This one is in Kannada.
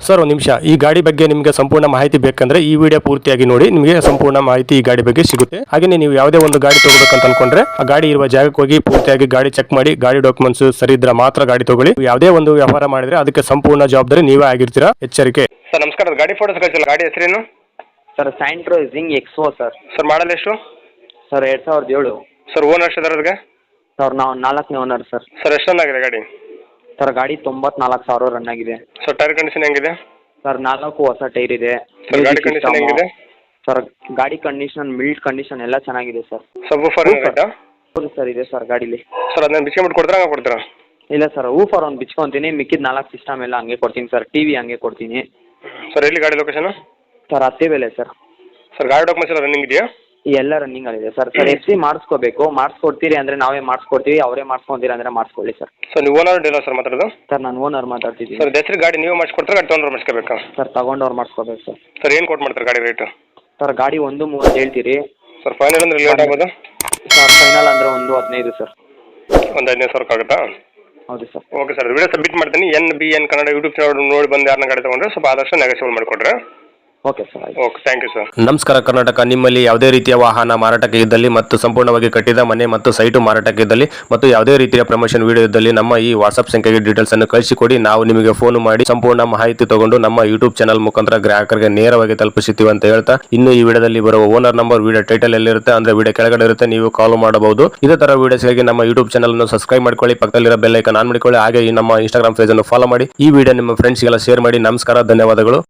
ಸರ್ ಒಂದು ನಿಮಿಷ, ಈ ಗಾಡಿ ಬಗ್ಗೆ ನಿಮಗೆ ಸಂಪೂರ್ಣ ಮಾಹಿತಿ ಬೇಕಂದ್ರೆ ಈ ವಿಡಿಯೋ ಪೂರ್ತಿಯಾಗಿ ನೋಡಿ, ನಿಮಗೆ ಸಂಪೂರ್ಣ ಮಾಹಿತಿ ಈ ಗಾಡಿ ಬಗ್ಗೆ ಸಿಗುತ್ತೆ. ಹಾಗೆ ನೀವು ಯಾವುದೇ ಒಂದು ಗಾಡಿ ತಗೋಬೇಕಂತ ಅನ್ಕೊಂಡ್ರೆ ಆ ಗಾಡಿ ಇರುವ ಜಾಗಕ್ಕೆ ಹೋಗಿ ಪೂರ್ತಿಯಾಗಿ ಗಾಡಿ ಚೆಕ್ ಮಾಡಿ, ಗಾಡಿ ಡಾಕ್ಯುಮೆಂಟ್ಸ್ ಸರಿ ಇದ್ರೆ ಮಾತ್ರ ಗಾಡಿ ತಗೊಳ್ಳಿ. ಯಾವುದೇ ಒಂದು ವ್ಯವಹಾರ ಮಾಡಿದ್ರೆ ಅದಕ್ಕೆ ಸಂಪೂರ್ಣ ಜವಾಬ್ದಾರಿ ನೀವೇ ಆಗಿರ್ತೀರಾ, ಎಚ್ಚರಿಕೆ. ಸರ್ ನಮಸ್ಕಾರ, ಗಾಡಿ ಫೋಟೋಸ್ ಕಳಿಸಿಲ್ಲ. ಗಾಡಿ ಹೆಸರೇನು? ಸರ್ ಸ್ಯಾಂಟ್ರೋ ಜಿಂಗ್ ಎಕ್ಸ್ಪೋ ಸರ್. ಸರ್ ಮಾಡಲ್ ಎಷ್ಟು? ಸರ್ 2007. ಸರ್ ಓನರ್ ಎಷ್ಟು ಅದರದ್ಗೆ? ಸರ್ ನಾವು 4ನೇ ಓನರ್ ಸರ್. ಸರ್ ಎಷ್ಟು ರನ್ ಆಗಿದೆ ಗಾಡಿ? ಸರ್ ಗಾಡಿ 94,000 ರನ್ ಆಗಿದೆ. ಸರ್ ಟೈರ್ ಕಂಡೀಷನ್ ಹೆಂಗಿದೆ? ಸರ್ 4 ಹೊಸ ಟೈರ್ ಇದೆ. ಸರ್ ಗಾಡಿ ಕಂಡೀಷನ್ ಹೆಂಗಿದೆ? ಸರ್ ಗಾಡಿ ಕಂಡೀಷನ್, ಬಿಲ್ಡ್ ಕಂಡೀಷನ್ ಎಲ್ಲ ಚೆನ್ನಾಗಿದೆ ಸರ್. ಸಬ್-ವೂಫರ್ ಏನಾಯ್ತಾ? ಹೌದು ಸರ್, ಇದೆ ಸರ್ ಗಾಡೀಲಿ. ಸರ್ ಅದನ್ನ ಬಿಚ್ಕೊಂಡ್ಬಿಟ್ಟು ಕೊಡ್ತೀರಾ, ಹಂಗೆ ಕೊಡ್ತೀರಾ? ಇಲ್ಲ ಸರ್, ವೂಫರ್ ಒಂದು ಬಿಚ್ಕೊತೀನಿ, ಮಿಕ್ಕಿದ 4 ಸಿಸ್ಟಮ್ ಎಲ್ಲ ಹಂಗೆ ಕೊಡ್ತೀನಿ ಸರ್. ಟಿವಿ ಹಂಗೆ ಕೊಡ್ತೀನಿ ಸರ್. ಎಲ್ಲಿ ಗಾಡಿ location? Sir Attibele sir. Sir ಗಾಡಿ ಡಾಕ್ಯುಮೆಂಟ್ಸ್ ಎಲ್ಲ ರನ್ನಿಂಗ್ ಇದೆಯಾ? ಎಲ್ಲ ರನ್ನಿಂಗ್ ಆಗಿದೆ ಸರ್. ಸರ್ FC ಮಾಡಿಸ್ಕೋಬೇಕು, ಮಾಡಿಸ್ಕೊಡ್ತೀರಿ ಅಂದರೆ ನಾವೇ ಮಾಡಿಸ್ಕೊಡ್ತೀವಿ, ಅವರೇ ಮಾಡಿಸ್ಕೊಂತೀರಿ ಅಂದರೆ ಮಾಡಿಸ್ಕೊಳ್ಳಿ ಸರ್. ಸರ್ ನೀವು ಓನರ್ ಡೀಲರ್ ಸರ್ ಮಾತಾಡೋದು? ಸರ್ ನಾನು ಓನರ್ ಮಾತಾಡ್ತಿದ್ದೀನಿ. ಸರ್ ಹೆಸರು ಗಾಡಿ ನೀವು ಮಾಡಿಸ್ಕೊಡ್ತಾರೆ, ಗಾಡಿ ತೊಗೊಂಡ್ರೆ ಮಾಡಿಸ್ಕೋಬೇಕಾ? ಸರ್ ತಗೊಂಡವ್ರು ಮಾಡಿಸ್ಕೋಬೇಕು ಸರ್. ಸರ್ ಏನು ಕೊಟ್ಟು ಮಾಡ್ತಾರೆ ಗಾಡಿ ರೇಟು? ಸರ್ ಗಾಡಿ 1.30 ಹೇಳ್ತೀರಿ ಸರ್. ಫೈನಲ್ ಅಂದ್ರೆ ಲೇಟ್ ಆಗ್ಬೋದು ಸರ್. ಫೈನಲ್ ಅಂದರೆ 1.15 ಸರ್. ಒಂದು 15,000 ಆಗುತ್ತಾ? ಹೌದು sir. Okay sir, video submit ಮಾಡ್ತೀನಿ. NBN ಕನ್ನಡ ಯೂಟ್ಯೂಬ್ ಚಾನಲ್ ನೋಡಿ ಬಂದು ಯಾರನ್ನ ಗಾಡಿ ತೊಗೊಂಡ್ರೆ ಸ್ವಲ್ಪ ಆದಷ್ಟು ನೆಗೋಸಿಯೇಟ್ ಮಾಡಿಕೊಡ್ರೆ. Okay sir. Okay, thank you sir. ನಮಸ್ಕಾರ ಕರ್ನಾಟಕ. ನಿಮ್ಮಲ್ಲಿ ಯಾವುದೇ ರೀತಿಯ ವಾಹನ ಮಾರಾಟಕ್ಕೆ ಇದ್ದಲ್ಲಿ ಮತ್ತು ಸಂಪೂರ್ಣವಾಗಿ ಕಟ್ಟಿದ ಮನೆ ಮತ್ತು ಸೈಟು ಮಾರಾಟಕ್ಕೆ ಇದ್ದಲ್ಲಿ ಮತ್ತು ಯಾವುದೇ ರೀತಿಯ ಪ್ರಮೋಷನ್ ವಿಡಿಯೋ ಇದ್ದಲ್ಲಿ ನಮ್ಮ ಈ ವಾಟ್ಸ್ಆಪ್ ಸಂಖ್ಯೆಗೆ ಡೀಟೇಲ್ಸ್ ಅನ್ನು ಕಳಿಸಿಕೊಡಿ. ನಾವು ನಿಮಗೆ ಫೋನ್ ಮಾಡಿ ಸಂಪೂರ್ಣ ಮಾಹಿತಿ ತಗೊಂಡು ನಮ್ಮ ಯೂಟ್ಯೂಬ್ ಚಾನಲ್ ಮುಖಾಂತರ ಗ್ರಾಹಕರಿಗೆ ನೇರವಾಗಿ ತಲುಪಿಸುತ್ತೀವಿ ಅಂತ ಹೇಳ್ತಾ, ಇನ್ನು ಈ ವಿಡಿಯೋದಲ್ಲಿ ಬರುವ ಓನರ್ ನಂಬರ್ ವಿಡಿಯೋ ಟೈಟಲ್ ಎಲ್ಲಿರುತ್ತೆ ಅಂದ್ರೆ ವಿಡಿಯೋ ಕೆಳಗಡೆ ಇರುತ್ತೆ, ನೀವು ಕಾಲ್ ಮಾಡಬಹುದು. ಇದೇ ತರ ವಿಡಿಯೋಸ್ಗಾಗಿ ನಮ್ಮ ಯೂಟ್ಯೂಬ್ ಚಾನಲ್ ಅನ್ನು ಸಬ್ಸ್ಕ್ರೈಬ್ ಮಾಡ್ಕೊಳ್ಳಿ, ಪಕ್ಕದಲ್ಲಿರೋ ಬೆಲ್ ಐಕಾನ್ ಆನ್ ಮಾಡಿಕೊಳ್ಳಿ. ಹಾಗೆ ಈ ನಮ್ಮ ಇನ್ಸ್ಟಾಗ್ರಾಮ್ ಪೇಜ್ ಅನ್ನು ಫಾಲೋ ಮಾಡಿ. ಈ ವಿಡಿಯೋ ನಿಮ್ಮ ಫ್ರೆಂಡ್ಸ್ಗೆಲ್ಲ ಶೇರ್ ಮಾಡಿ. ನಮಸ್ಕಾರ, ಧನ್ಯವಾದಗಳು.